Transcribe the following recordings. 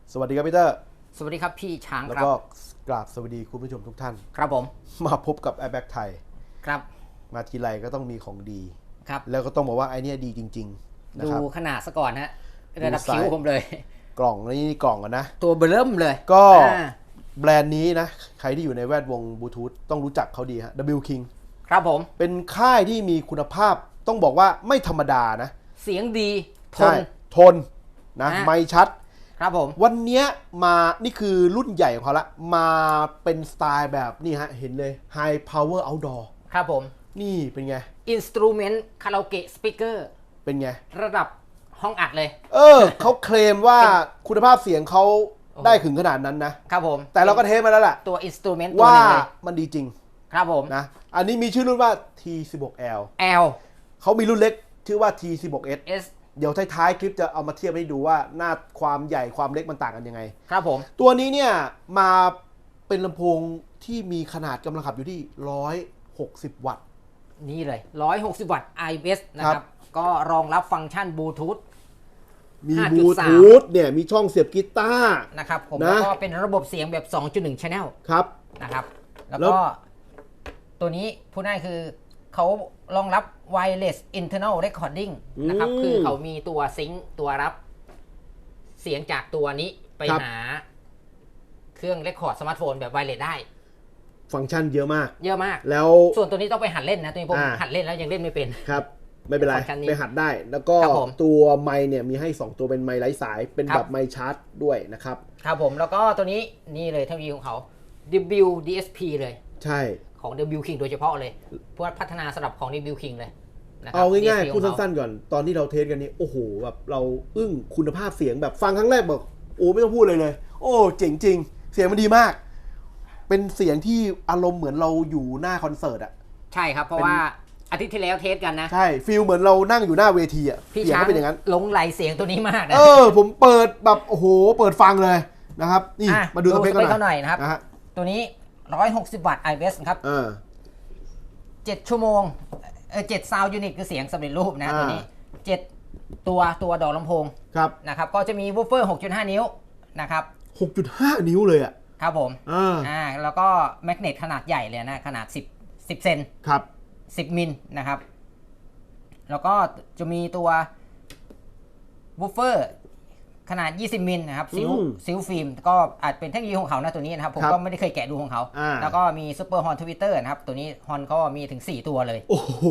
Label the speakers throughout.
Speaker 1: สวัสดีครับพี่เตอร์
Speaker 2: สวัสดีครับพี่ช้าง
Speaker 1: แล้ว
Speaker 2: ครับ
Speaker 1: ก็กราบสวัสดีคุณผู้ชมทุกท่าน
Speaker 2: ครับผม
Speaker 1: มาพบกับ Airbag ไทย
Speaker 2: ครับ
Speaker 1: มาทีไรก็ต้องมีของดี
Speaker 2: ครับ
Speaker 1: แล้วก็ต้องบอกว่าไอเนี้ยดีจริงๆนะครับ
Speaker 2: ดูขนาดซะก่อนฮะระดับคิ้วผมเลย
Speaker 1: กล่องนี่กล่องกันนะ
Speaker 2: ตัวเบลิ่มเลย
Speaker 1: ก็แบรนด์นี้นะใครที่อยู่ในแวดวงบลูทูธต้องรู้จักเขาดีฮะ W King
Speaker 2: ครับผม
Speaker 1: เป็นค่ายที่มีคุณภาพต้องบอกว่าไม่ธรรมดานะ
Speaker 2: เสียงดีทน
Speaker 1: ทนนะไมค์ชัด
Speaker 2: ครับผม
Speaker 1: วันนี้มานี่คือรุ่นใหญ่ของเขาละมาเป็นสไตล์แบบนี่ฮะเห็นเลย High Power Outdoor
Speaker 2: ครับผม
Speaker 1: นี่เป็นไง
Speaker 2: Instrument Karaoke Speaker
Speaker 1: เป็นไง
Speaker 2: ระดับห้องอัดเลย
Speaker 1: เขาเคลมว่าคุณภาพเสียงเขาได้ถึงขนาดนั้นนะครับ
Speaker 2: ผม
Speaker 1: แต่เราก็เทสมาแล้วแหละ
Speaker 2: ตัว Instrument
Speaker 1: ว่ามันดีจริง
Speaker 2: ครับผม
Speaker 1: นะอันนี้มีชื่อรุ่นว่า T16L เขามีรุ่นเล็กชื่อว่า T16S เดี๋ยวท้ายๆคลิปจะเอามาเทียบให้ดูว่าหน้าความใหญ่ความเล็กมันต่างกันยังไง
Speaker 2: ครับผม
Speaker 1: ตัวนี้เนี่ยมาเป็นลำโพงที่มีขนาดกำลังขับอยู่ที่160วัตต์
Speaker 2: นี่เลย160วัตต์ IBS นะครับก็รองรับฟังก์ชันบลูทูธ
Speaker 1: มีบลูทูธเนี่ยมีช่องเสียบกีตาร์
Speaker 2: นะครับผมแล้วก็เป็นระบบเสียงแบบ 2.1 Channel
Speaker 1: ครับ
Speaker 2: นะครับแล้วก็ตัวนี้พูดง่ายคือเขารองรับ wireless internal recording นะครับคือเขามีตัวซิงค์ตัวรับเสียงจากตัวนี้ไปหาเครื่องเรคคอร์ดสมาร์ทโฟนแบบไวเลสได้
Speaker 1: ฟังก์ชันเยอะมากแล้ว
Speaker 2: ส่วนตัวนี้ต้องไปหัดเล่นนะตัวนี้ผมหัดเล่นแล้วยังเล่นไม่เป็น
Speaker 1: ครับไม่เป็นไรไปหัดได้แล้วก็ตัวไมค์เนี่ยมีให้2ตัวเป็นไมค์ไร้สายเป็นแบบไมค์ชาร์จด้วยนะครับ
Speaker 2: ครับผมแล้วก็ตัวนี้นี่เลยเทคโนโลยีของเขา WDSP เลย
Speaker 1: ใช่
Speaker 2: ของ W King โดยเฉพาะเลยเพื่อพัฒนาสำหรับของ W King เลย
Speaker 1: เอาง่ายๆพูดสั้นๆก่อนตอนที่เราเทสกันนี้โอ้โหแบบเราอึ้งคุณภาพเสียงแบบฟังครั้งแรกบอกโอ้ไม่ต้องพูดเลยโอ้เจ๋งจริงเสียงมันดีมากเป็นเสียงที่อารมณ์เหมือนเราอยู่หน้าคอนเสิร์ตอ่ะ
Speaker 2: ใช่ครับเพราะว่าอาทิตย์ที่แล้วเทสกันนะ
Speaker 1: ใช่ฟีลเหมือนเรานั่งอยู่หน้าเวทีอ่ะ
Speaker 2: เสียงเป็นอย่างนั้น
Speaker 1: หล
Speaker 2: งไหลเสียงตัวนี้มากนะ
Speaker 1: ผมเปิดแบบโอ้โหเปิดฟังเลยนะครับนี่มาดูสเปค
Speaker 2: กันหน่อยนะครับตัวนี้160วัตต์ IBS ครับ7ชั่วโมง7 sound unit คือเสียงสำเร็จรูปนะตัวนี้7ตัวดอกลำโพงนะครับก็จะมีวูฟเฟอร์ 6.5 นิ้วนะครับ
Speaker 1: 6.5 นิ้วเลยอ่ะ
Speaker 2: ครับผมแล้วก็แมกเนตขนาดใหญ่เลยนะขนาด10เซน
Speaker 1: ครับ
Speaker 2: 10มิลนะครับแล้วก็จะมีตัววูฟเฟอร์ขนาด20มิลนะครับซิลฟิล์มก็อาจเป็นเทคโนโลยีของเขานะตัวนี้นะครับผมก็ไม่ได้เคยแกะดูของเขาแล้วก็มีซูเปอร์ฮอนทวิตเตอร์นะครับตัวนี้ฮอนเขามีถึง4ตัวเลย
Speaker 1: โอ้โห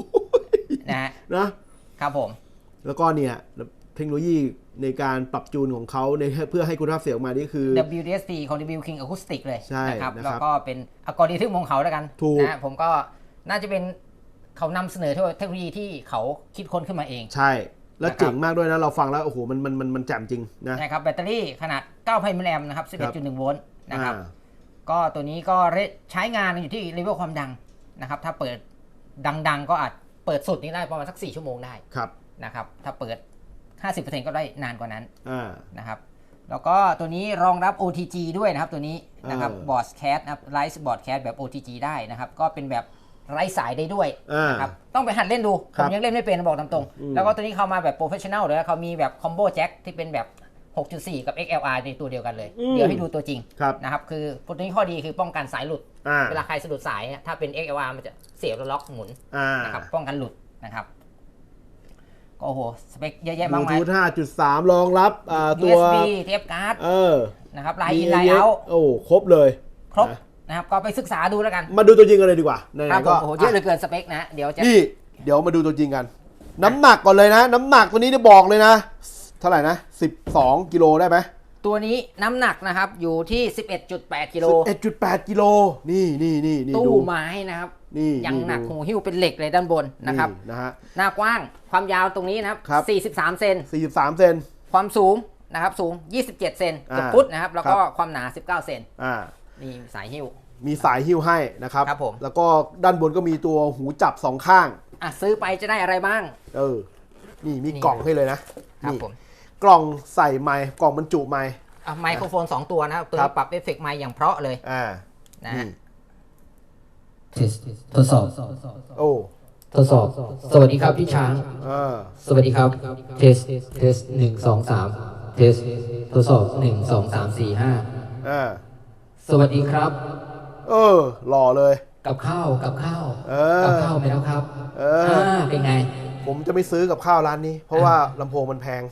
Speaker 2: นะครับผม
Speaker 1: แล้วก็เนี่ยเทคโนโลยีในการปรับจูนของเขาในเพื่อให้คุณภาพเสียงออกมานี่คือ
Speaker 2: WDSP ของ W King Acoustic เลย
Speaker 1: นะครับ
Speaker 2: แล้วก็เป็นอัลกอริทึมของเขาแล้วกันนะผมก็น่าจะเป็นเขานำเสนอเทคโนโลยีที่เขาคิดค้นขึ้นมาเอง
Speaker 1: ใช่แล้วเจ๋งมากด้วยนะเราฟังแล้วโอ้โหมันแจ่มจริงนะ
Speaker 2: ใช่ครับแบตเตอรี่ขนาด 9,000 มิลลิแอมป์นะครับ 11.1 โวลต์นะครับก็ตัวนี้ก็ใช้งานอยู่ที่เลเวลความดังนะครับถ้าเปิดดังๆก็อาจเปิดสุดนี้ได้ประมาณสัก4ชั่วโมงได้นะครับถ้าเปิด 50% ก็ได้นานกว่านั้นนะครับแล้วก็ตัวนี้รองรับ OTG ด้วยนะครับตัวนี้นะครับบอร์ดแคสนะครับไลฟ์บอร์ดแคสแบบ OTG ได้นะครับก็เป็นแบบไร้สายได้ด้วยนะครับต้องไปหัดเล่นดูผมยังเล่นไม่เป็นบอกตามตรงแล้วก็ตัวนี้เข้ามาแบบโปรเฟชชั่นแนลเลยเขามีแบบคอมโบแจ็คที่เป็นแบบ 6.4 กับ XLR ในตัวเดียวกันเลยเดี๋ยวให้ดูตัวจริงนะครับคือตัวนี้ข้อดีคือป้องกันสายหลุดเวลาใครสะดุดสายถ้าเป็น XLR มันจะเสียบแล้วล็อกหมุนนะครับป้องกันหลุดนะครับก็โอ้โหสเปคเยอะแยะมากมาย
Speaker 1: Bluetooth 5.3 รองรับตัว
Speaker 2: USB เทปการ์ดนะครับไลน์อินไลน์เอาท์
Speaker 1: ครบเลย
Speaker 2: ครบนะครับก็ไปศึกษาดูแล้วกัน
Speaker 1: มาดูตัวจริงกันเลยดีกว่า
Speaker 2: ครับผมโอ้โหเยอะเหลือเกินสเปคนะเดี๋
Speaker 1: ยวมาดูตัวจริงกันน้ำหนักก่อนเลยนะน้ำหนักตัวนี้ได้บอกเลยนะเท่าไหร่นะ12กิโลได้ไหม
Speaker 2: ตัวนี้น้ำหนักนะครับอยู่ที่ 11.8 กิโล
Speaker 1: 11.8 กิโลนี่
Speaker 2: ตู้ไม้นะครับยังหนักหูหิ้วเป็นเหล็กเลยด้านบนนะครับหน้ากว้างความยาวตรงนี้นะครับ43 เซนความสูงนะครับสูง27เซนเกือบฟุตนะครับแล้วก็ความหนา19เซนนี่สายหิ้ว
Speaker 1: มีสายหิ้วให้นะครับแล้วก็ด้านบนก็มีตัวหูจับ2ข้าง
Speaker 2: ซื้อไปจะได้อะไรบ้าง
Speaker 1: นี่มีกล่องให้เลยนะครับผมกล่องใส่ไมค์กล่องบรรจุไมค์
Speaker 2: ไมโครโฟน2ตัวนะครับตัวปรับเอฟเฟกต์ไมค์อย่างเพราะเลยนะ
Speaker 3: ทดสอบทดสอบสวัสดีครับพี่ช้างสวัสดีครับเทส1 2 3เทสทดสอบ1 2 3 4 5สวัสดีครับ
Speaker 1: หล่อเลย
Speaker 3: กับข้าวกับข้าวไปแล้วครับเป็นไง
Speaker 1: ผมจะไม่ซื้อกับข้าวร้านนี้เพราะว่าลำโพงมันแพง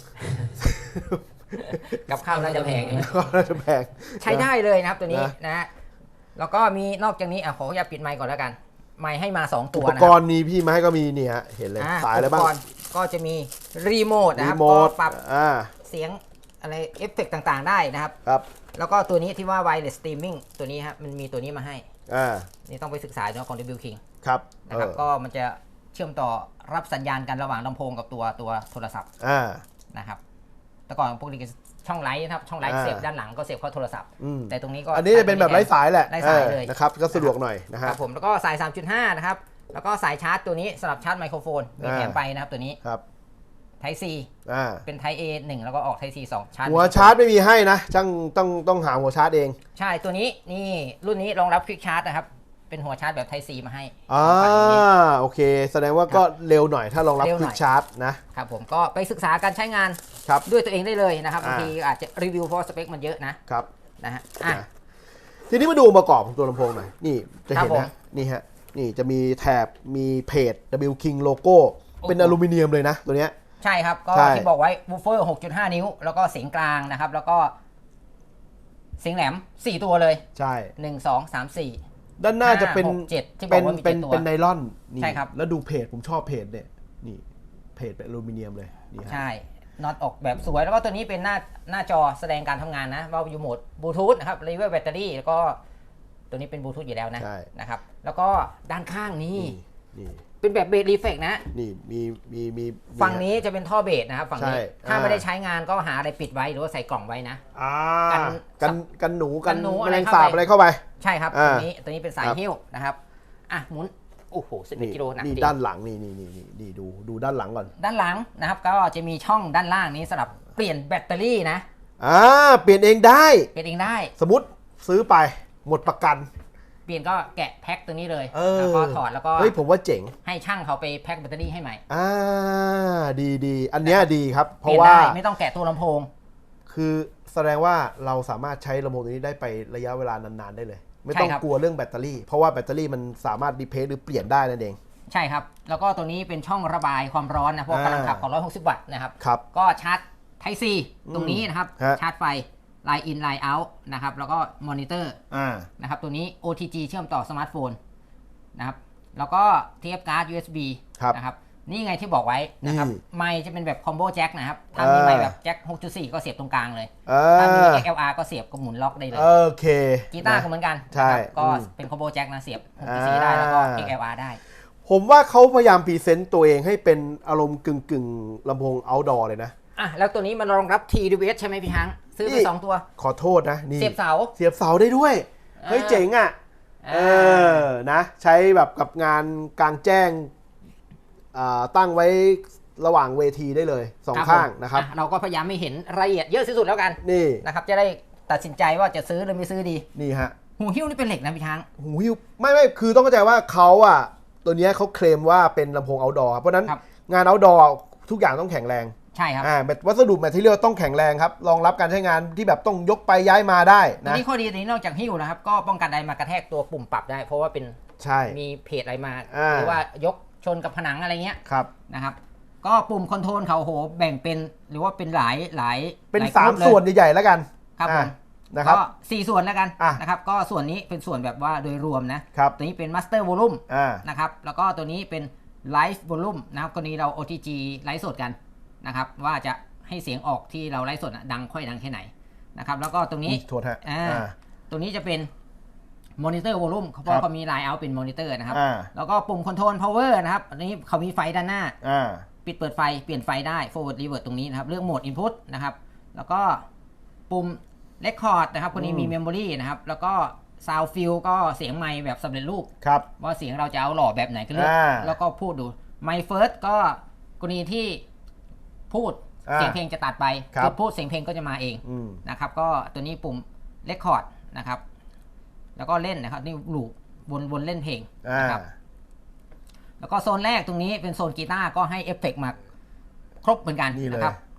Speaker 2: กับข้าวน่าจะแพง
Speaker 1: น่าจะแพง
Speaker 2: ใช้ได้เลยนะครับตัวนี้นะแล้วก็มีนอกจากนี้ขออย่าปิดไมค์ก่อนแล้วกันไมค์ให้มา2ตัวนะอุ
Speaker 1: ปกรณ์นี้พี่ไม้ก็มีเนี่ยเห็นเลยสายอะไรบ้าง
Speaker 2: ก็จะมีรีโมทนะครับก็ปรับเสียงอะไรเอฟเฟกต์ต่างๆได้นะครับแล้วก็ตัวนี้ที่ว่า wireless streaming ตัวนี้ครับมันมีตัวนี้มาให้นี่ต้องไปศึกษาเนาะของ W King
Speaker 1: ครับ
Speaker 2: นะครับก็มันจะเชื่อมต่อรับสัญญาณกันระหว่างลำโพงกับตัวโทรศัพท์นะครับแต่ก่อนพวกนี้ช่องไลท์นะครับช่องไลท์เสียบด้านหลังก็เสียบเข้าโทรศัพท์แต่ตรงนี้ก็
Speaker 1: อันนี้จะเป็นแบบไร้สายแหละ
Speaker 2: ไร้สายเลย
Speaker 1: นะครับก็สะดวกหน่อยนะครับ
Speaker 2: ผมแล้วก็สาย 3.5 นะครับแล้วก็สายชาร์จตัวนี้สำหรับชาร์จไมโครโฟนมีแถมไปนะครับตัวนี้Type C เป็น Type A 1แล้วก็ออก Type C 2ชาร์จ
Speaker 1: หัวชาร์จไม่มีให้นะต้องหาหัวชาร์จเอง
Speaker 2: ใช่ตัวนี้นี่รุ่นนี้รองรับ Quick Charge นะครับเป็นหัวชาร์จแบบ Type C มาให้
Speaker 1: โอเคแสดงว่าก็เร็วหน่อยถ้ารองรับ Quick Charge
Speaker 2: นะครับผมก็ไปศึกษาการใช้งานด้วยตัวเองได้เลยนะครับบางทีอาจจะรีวิวเพราะสเปคมันเยอะนะครับนะฮะ
Speaker 1: ทีนี้มาดูองค์ประกอบของตัวลำโพงหน่อยนี่จะเห็นนะนี่ฮะนี่จะมีแถบมีเพจ W King โลโก้เป็นอลูมิเนียมเลยนะตัวเนี้ย
Speaker 2: ใช่ครับก็ที่บอกไว้วูฟเฟอร์ 6.5 นิ้วแล้วก็เสียงกลางนะครับแล้วก็เสียงแหลม4ตัวเลย
Speaker 1: ใช่
Speaker 2: 1 2 3 4
Speaker 1: ด้านหน้าจะเป็น
Speaker 2: 7ที่บอกว่ามี7ตัว
Speaker 1: เป็นไนลอน
Speaker 2: ใช่ครับ
Speaker 1: แล้วดูเพจผมชอบเพจเนี่ยนี่เพจเป็นอลูมิเนียมเลยนี่
Speaker 2: ใช่น็อตออกแบบสวยแล้วก็ตัวนี้เป็นหน้าจอแสดงการทำงานนะว่าอยู่โหมดบลูทูธนะครับรีเวอร์แบตเตอรี่แล้วก็ตัวนี้เป็นบลูทูธอยู่แล้วนะครับแล้วก็ด้านข้างนี้เป็นแบบเบสรีเฟกนะ
Speaker 1: นี่มี
Speaker 2: ฝั่งนี้จะเป็นท่อเบสนะครับฝั่งนี้ถ้าไม่ได้ใช้งานก็หาอะไรปิดไว้หรือว่าใส่กล่องไว้นะ
Speaker 1: กันหนูแมลงสาบอะไรเข้าไป
Speaker 2: ใช่ครับตัวนี้เป็นสายหิ้วนะครับหมุนโอ้โห11 กิโลหนัก
Speaker 1: นี่ด้านหลังนี่ดูด้านหลังก่อน
Speaker 2: ด้านหลังนะครับก็จะมีช่องด้านล่างนี้สำหรับเปลี่ยนแบตเตอรี่นะ
Speaker 1: เปลี่ยนเองได้สมมติซื้อไปหมดประกัน
Speaker 2: เปลี่ยนก็แกะแพ็คตัวนี้เลยแล้วก็ถอดแล้วก็
Speaker 1: ผมว่าเจ๋ง
Speaker 2: ให้ช่างเขาไปแพ็คแบตเตอรี่ให้ใหม่
Speaker 1: ดีอันนี้ดีครับเพราะว่า
Speaker 2: ไม่ต้องแกะตัวลำโพง
Speaker 1: คือแสดงว่าเราสามารถใช้ลำโพงตัวนี้ได้ไประยะเวลานานๆได้เลยไม่ต้องกลัวเรื่องแบตเตอรี่เพราะว่าแบตเตอรี่มันสามารถรีเพลซหรือเปลี่ยนได้นั่นเอง
Speaker 2: ใช่ครับแล้วก็ตัวนี้เป็นช่องระบายความร้อนนะเพราะกำลังขับของ160 วัตต์นะครับก็ชาร์จ Type C ตรงนี้นะครับชาร์จไฟLine in Line out นะครับแล้วก็มอนิเตอร์นะครับตัวนี้ OTG เชื่อมต่อสมาร์ทโฟนนะครับแล้วก็เทียบการ์ด USB นะครับนี่ไงที่บอกไว้นะครับไมค์จะเป็นแบบคอมโบแจ็คนะครับถ้ามีไมค์แบบแจ็ค 6.4 ก็เสียบตรงกลางเลยถ้ามี XLR ก็เสียบกับหมุนล็อกได้เลย
Speaker 1: โอเค
Speaker 2: กีตาร์ก็เหมือนกันก็เป็นคอมโบแจ็คนะเสียบ 6.4 ได้แล้วก็ XLR ได้
Speaker 1: ผมว่าเขาพยายามพรีเซนต์ตัวเองให้เป็นอารมณ์กึ่งลำโพง outdoor เลยนะ
Speaker 2: แล้วตัวนี้มันรองรับ TWS ใช่ไหมพี่ฮังซื้อไป2ตัว
Speaker 1: ขอโทษนะนี่
Speaker 2: เสียบเ
Speaker 1: สาได้ด้วยเฮ้ยเจ๋งนะใช้แบบกับงานกลางแจ้งตั้งไว้ระหว่างเวทีได้เลย2ข้างนะครับ
Speaker 2: เราก็พยายามไม่เห็นรายละเอียดเยอะที่สุดแล้วกัน
Speaker 1: นี่
Speaker 2: นะครับจะได้ตัดสินใจว่าจะซื้อหรือไม่ซื้อดี
Speaker 1: นี่ฮะ
Speaker 2: หูหิ้วนี่เป็นเหล็กนะพี่ฮัง
Speaker 1: หูหิ้วไม่คือต้องเข้าใจว่าเขาตัวนี้เขาเคลมว่าเป็นลำโพง outdoor เพราะนั้นงาน outdoor ทุกอย่างต้องแข็งแรง
Speaker 2: ใช่ครับ
Speaker 1: วัสดุแมททีเรียลต้องแข็งแรงครับรองรับการใช้งานที่แบบต้องยกไปย้ายมาได้นะ
Speaker 2: นี่ข้อดีนี้นอกจากหิ้วนะครับก็ป้องกันอะไรมากระแทกตัวปุ่มปรับได้เพราะว่าเป็นมีเพจอะไรมาหรือว่ายกชนกับผนังอะไรเงี้ยนะครับก็ปุ่มคอนโทรลเขาโหแบ่งเป็นหรือว่าเป็นหลาย
Speaker 1: เป็น3ส่วนใหญ่ๆแล้วกัน
Speaker 2: ครับผมนะครับก็4ส่วนแล้วกันนะครับก็ส่วนนี้เป็นส่วนแบบว่าโดยรวมนะตัวนี้เป็นมาสเตอร์วอลลุ่มนะครับแล้วก็ตัวนี้เป็นไลฟ์วอลลุ่มนะครับกรณีเรา OTG ไลฟ์สดกันนะครับว่าจะให้เสียงออกที่เราไลฟ์สดดังค่อยดังแค่ไหนนะครับแล้วก็ตรงนี้ตรงนี้จะเป็นมอนิเตอร์วอลลุ่มเพราะเขามีไลน์เอาเป็นมอนิเตอร์นะครับแล้วก็ปุ่มคอนโทรลพาวเวอร์นะครับอันนี้เขามีไฟด้านหน้าปิดเปิดไฟเปลี่ยนไฟได้ forward reverse ตรงนี้นะครับเลือกโหมด input นะครับแล้วก็ปุ่ม record นะครับคนนี้มี memory นะครับแล้วก็ sound fill ก็เสียงไมค์แบบสำเร็จรูปว่าเสียงเราจะเอาหล่อแบบไหนก็เลือกแล้วก็พูดดู my first ก็กรณีที่พูดเสียงเพลงจะตัดไปคือพูดเสียงเพลงก็จะมาเองนะครับก็ตัวนี้ปุ่ม record นะครับแล้วก็เล่นนะครับนี่ลูปวนเล่นเพลงนะครับแล้วก็โซนแรกตรงนี้เป็นโซนกีตาร์ก็ให้เอฟเฟกต์มาครบเหมือนกันนะครับ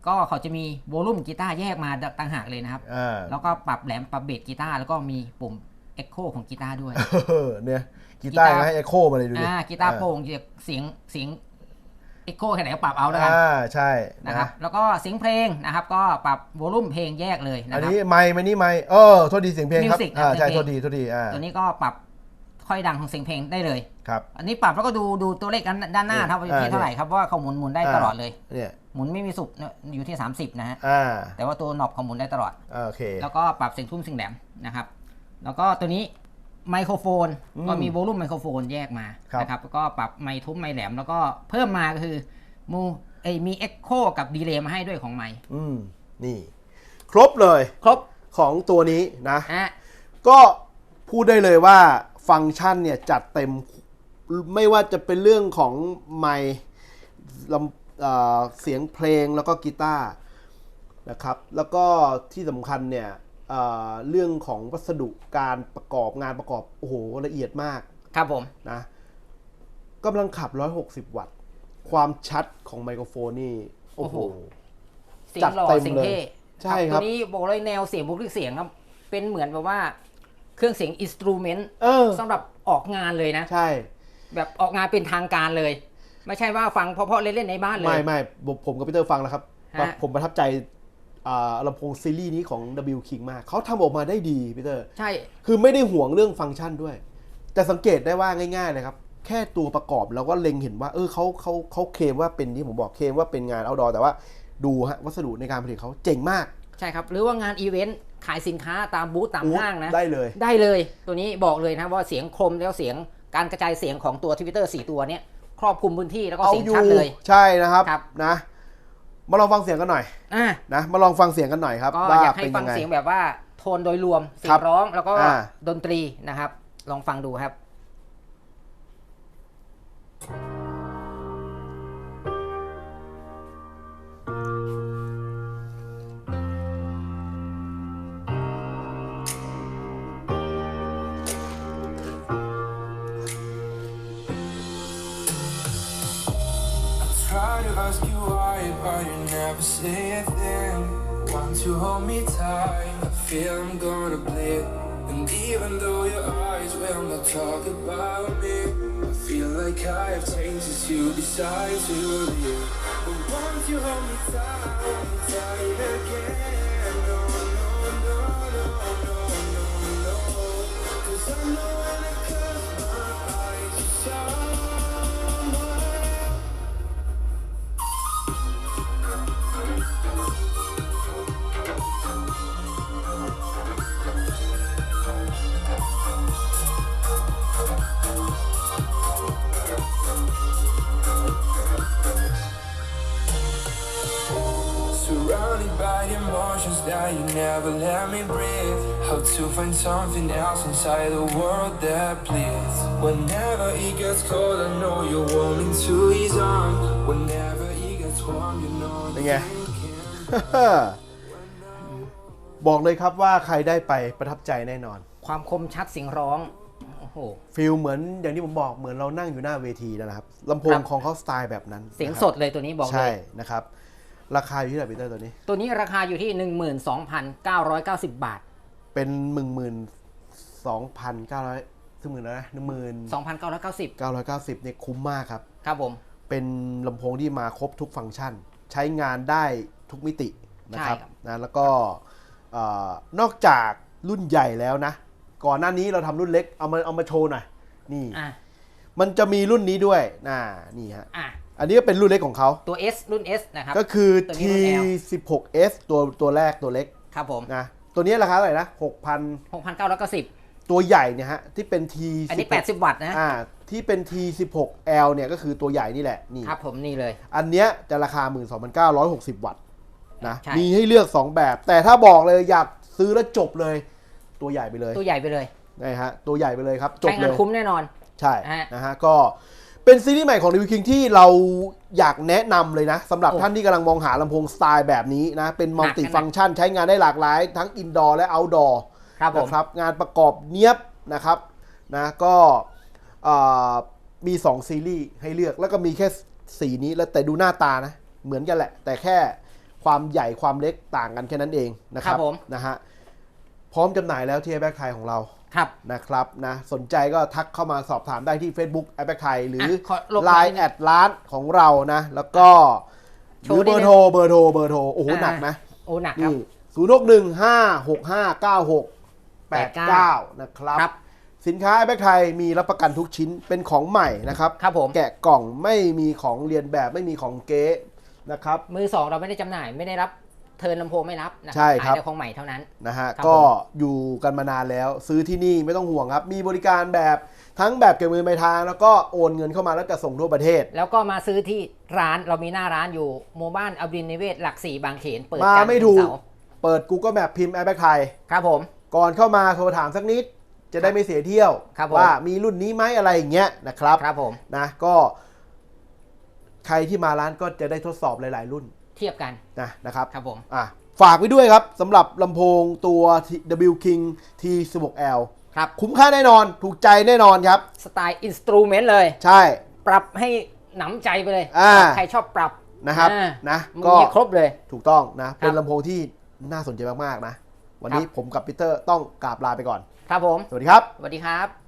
Speaker 2: ก็เขาจะมีโวลูมกีตาร์แยกมาต่างหากเลยนะครับแล้วก็ปรับแหลมปรับเบสกีตาร์แล้วก็มีปุ่มเอ็กโคของกีตาร์ด้วย
Speaker 1: เนี่ยกีตาร์ให้เอ็กโคมาเลยดูดิ
Speaker 2: กีตาร์โปร่งเสียงเอ็กโคแค่ไหนก็ปรับเอาแล้วกัน
Speaker 1: ใช่
Speaker 2: นะครับแล้วก็เสียงเพลงนะครับก็ปรับโวลูมเพลงแยกเลยนะครับ
Speaker 1: อันนี้ไมค์โทษดีเสียงเพลงครับใช่โทษดี
Speaker 2: ตัวนี้ก็ปรับค่อยดังของเสียงเพลงได้เลย
Speaker 1: ครับ
Speaker 2: อันนี้ปรับแล้วก็ดูตัวเลขด้านหน้าครับว่าที่เท่าไหร่ครับว่าเขาหมุนได้ตลอดเลย
Speaker 1: เนี่ย
Speaker 2: หมุนไม่มีสุดอยู่ที่30นะฮะแต่ว่าตัวหนอบเขาหมุนได้ตลอด
Speaker 1: โอเค
Speaker 2: แล้วก็ปรับเสียงทุ่มเสียงแหลมนะครับแล้วก็ตัวนี้ไมโครโฟนก็มีโวลูมไมโครโฟนแยกมานะครับแล้วก็ปรับไมค์ทุ้มไมค์แหลมแล้วก็เพิ่มมาก็คือมีเอ็กโคกับดีเลย์มาให้ด้วยของไมค์
Speaker 1: นี่ครบเลย
Speaker 2: ครบ
Speaker 1: ของตัวนี้นะก็พูดได้เลยว่าฟังก์ชันเนี่ยจัดเต็มไม่ว่าจะเป็นเรื่องของไมค์เสียงเพลงแล้วก็กีตาร์นะครับแล้วก็ที่สำคัญเนี่ยเรื่องของวัสดุการประกอบงานประกอบโอ้โหละเอียดมาก
Speaker 2: ครับผม
Speaker 1: นะกำลังขับ160 วัตต์ความชัดของไมโครโฟนนี่โอ้โห
Speaker 2: จัดเต็มเลย
Speaker 1: ใช่ครับ
Speaker 2: ตัวนี้บอกเลยแนวเสียงบุคลิกเสียงครับเป็นเหมือนแบบว่าเครื่องเสียงอินสตรูเมนต์สำหรับออกงานเลยนะ
Speaker 1: ใช่
Speaker 2: แบบออกงานเป็นทางการเลยไม่ใช่ว่าฟังเพราะๆเล่นๆในบ้านเลย
Speaker 1: ไม่ผมกับพีเตอร์ฟังแล้วครับผมประทับใจลำโพงซีรีส์นี้ของ W King มากเขาทำออกมาได้ดีพีเตอร์
Speaker 2: ใช่
Speaker 1: คือไม่ได้ห่วงเรื่องฟังก์ชันด้วยแต่สังเกตได้ว่าง่ายๆเลยครับแค่ตัวประกอบเราก็เล็งเห็นว่าเขาเคลมว่าเป็นที่ผมบอกเคลมว่าเป็นงานเอาท์ดอร์แต่ว่าดูฮะวัสดุในการผลิตเขาเจ๋งมาก
Speaker 2: ใช่ครับหรือว่างานอีเวนต์ขายสินค้าตามบูธตามห้างนะ
Speaker 1: ได้เลย
Speaker 2: ตัวนี้บอกเลยนะว่าเสียงคมแล้วเสียงการกระจายเสียงของตัวทวิตเตอร์4ตัวนี้ครอบคลุมพื้นที่แล้วก็เสียงชัดเลย
Speaker 1: ใช่นะครับนะมาลองฟังเสียงกันหน่อยนะมาลองฟังเสียงกันหน่อยครับ
Speaker 2: ก็อยากให้ฟังเสียงแบบว่าโทนโดยรวมเสียงร้องแล้วก็ดนตรีนะครับลองฟังดูครับ
Speaker 4: Try to ask you why, but you never say a thing. Want to hold me tight, I feel I'm gonna bleed. And even though your eyes will not talk about me, I feel like I have changed since you decided to leave. But won't you hold me tight again? No, no, no, no, no, no, no. 'Cause I know when I close my eyes, you saw.Surrounded by emotions that you never let me breathe. How to find something else inside the world that bleeds. Whenever it gets cold, I know you're warm into his arms. Whenever it gets warm, you know that you can.
Speaker 1: บอกเลยครับว่าใครได้ไปประทับใจแน่นอน
Speaker 2: ความคมชัดเสียงร้องโอ้โห
Speaker 1: ฟีลเหมือนอย่างที่ผมบอกเหมือนเรานั่งอยู่หน้าเวทีนะครับลำโพงของเขาสไตล์แบบนั้น
Speaker 2: เสียงสดเลยตัวนี้บอกเลย
Speaker 1: ใช่นะครับราคาอยู่ที่ไหนพีเตอร์
Speaker 2: ตัวนี้ราคาอยู่ที่ 12,990 บาท
Speaker 1: เป็น12,900ซึ่งหมื่นแล้วนะ
Speaker 2: 12,990
Speaker 1: เนี่ยคุ้มมากครับ
Speaker 2: ครับผม
Speaker 1: เป็นลำโพงที่มาครบทุกฟังก์ชันใช้งานได้ทุกมิตินะครับนะแล้วก็นอกจากรุ่นใหญ่แล้วนะก่อนหน้านี้เราทำรุ่นเล็กเอามาโชว์หน่อยนี่มันจะมีรุ่นนี้ด้วยนี่ฮะอันนี้ก็เป็นรุ่นเล็กของเขา
Speaker 2: ตัว S รุ่น S นะครับ
Speaker 1: ก็คือ T16S ตัวแรกตัวเล็ก
Speaker 2: ครับผม
Speaker 1: นะตัวนี้ราคาเท่าไหร่นะ
Speaker 2: 6,990
Speaker 1: ตัวใหญ่เนี่ยฮะที่เป็น T
Speaker 2: อันนี้80วัตต์นะ
Speaker 1: ที่เป็น T16L เนี่ยก็คือตัวใหญ่นี่แหละนี่
Speaker 2: ครับผมนี่เลย
Speaker 1: อันเนี้ยจะราคา 12,960 วัตต์นะมีให้เลือก2แบบแต่ถ้าบอกเลยอยากซื้อแล้วจบเลยตัวใหญ่ไปเลยนะฮะตัวใหญ่ไปเลยครับจบเลย
Speaker 2: ใช้งานคุ้มแน่นอน
Speaker 1: ใช่นะฮะก็เป็นซีรีส์ใหม่ของ W King ที่เราอยากแนะนำเลยนะสำหรับท่านที่กำลังมองหาลำโพงสไตล์แบบนี้นะเป็นมัลติฟังก์ชันใช้งานได้หลากหลายทั้งอินดอร์และเอาท์ดอร์นะครับงานประกอบเนียบนะครับนะก็มี2ซีรีส์ให้เลือกแล้วก็มีแค่สีนี้แล้วแต่ดูหน้าตานะเหมือนกันแหละแต่แค่คความใหญ่ความเล็กต่างกันแค่นั้นเองนะครับ
Speaker 2: ผม
Speaker 1: นะฮะพร้อมจำหน่ายแล้วที่ Airback ไทยของเรา
Speaker 2: ครับ
Speaker 1: นะครับนะสนใจก็ทักเข้ามาสอบถามได้ที่ Facebook Airback ไทยหรือ
Speaker 2: ขอลบ
Speaker 1: Line แอดร้านของเรานะแล้วก็ห
Speaker 2: โช
Speaker 1: รือ
Speaker 2: ว์
Speaker 1: เบ
Speaker 2: นิ
Speaker 1: อ
Speaker 2: ดนึ
Speaker 1: ร์
Speaker 2: ง
Speaker 1: โทรโอ้โหหนักนะ
Speaker 2: โอ้หนักครับ
Speaker 1: นี่06156559689นะครับ
Speaker 2: ครับ
Speaker 1: สินค้า Airback ไทยมีรับประกันทุกชิ้นเป็นของใหม่นะครับ
Speaker 2: ครับผม
Speaker 1: แกะกล่องไม่มีของเรียนแบบไม่มีของเก๊นะครับ
Speaker 2: มือสองเราไม่ได้จำหน่ายไม่ได้รับเทิร์นลำโพงไม่รับนะ
Speaker 1: ใช่ครับ
Speaker 2: ขายแต่ของใหม่เท่านั้น
Speaker 1: นะฮะ
Speaker 2: ครับ
Speaker 1: ก็อยู่กันมานานแล้วซื้อที่นี่ไม่ต้องห่วงครับ มีบริการแบบทั้งแบบเก็บเงินปลายทางแล้วก็โอนเงินเข้ามาแล้วก็ส่งทั่วประเทศ
Speaker 2: แล้วก็มาซื้อที่ร้านเรามีหน้าร้านอยู่หมู่บ้านอบินนิเวศหลัก4บางเขนเปิด
Speaker 1: มา
Speaker 2: จันทร์
Speaker 1: ไม่
Speaker 2: ถึ
Speaker 1: ถู
Speaker 2: ง
Speaker 1: ก
Speaker 2: เสาร์
Speaker 1: เปิด Google Map พิมพ์ Airback ไทย
Speaker 2: ครับผม
Speaker 1: ก่อนเข้ามาโทรถามสักนิด จะได้ไม่เสียเที่ยว
Speaker 2: ครับผม
Speaker 1: ว่ามีรุ่นนี้ไหมอะไรอย่างเงี้ยนะครับ
Speaker 2: ครับผม
Speaker 1: นะก็ใครที่มาร้านก็จะได้ทดสอบหลาย ๆ รุ่น
Speaker 2: เทียบกัน
Speaker 1: นะครับ
Speaker 2: ครับผม
Speaker 1: ฝากไว้ด้วยครับสำหรับลำโพงตัว W King T16L
Speaker 2: ครับ
Speaker 1: คุ้มค่าแน่นอนถูกใจแน่นอนครับ
Speaker 2: สไตล์อินสตูเมนต์เลย
Speaker 1: ใช่
Speaker 2: ปรับให้หนำใจไปเลย ใครชอบปรับ
Speaker 1: นะครับ
Speaker 2: อ่า
Speaker 1: นะ
Speaker 2: มี
Speaker 1: ก็
Speaker 2: ครบเลย
Speaker 1: ถูกต้องนะเป็น
Speaker 2: ครับ
Speaker 1: ลำโพงที่น่าสนใจมาก ๆ นะ วันนี้
Speaker 2: ครับ
Speaker 1: ผมกับปีเตอร์ต้องกราบลาไปก่อน
Speaker 2: ครับผม
Speaker 1: สวัสดีครับ
Speaker 2: สวัสดีครับ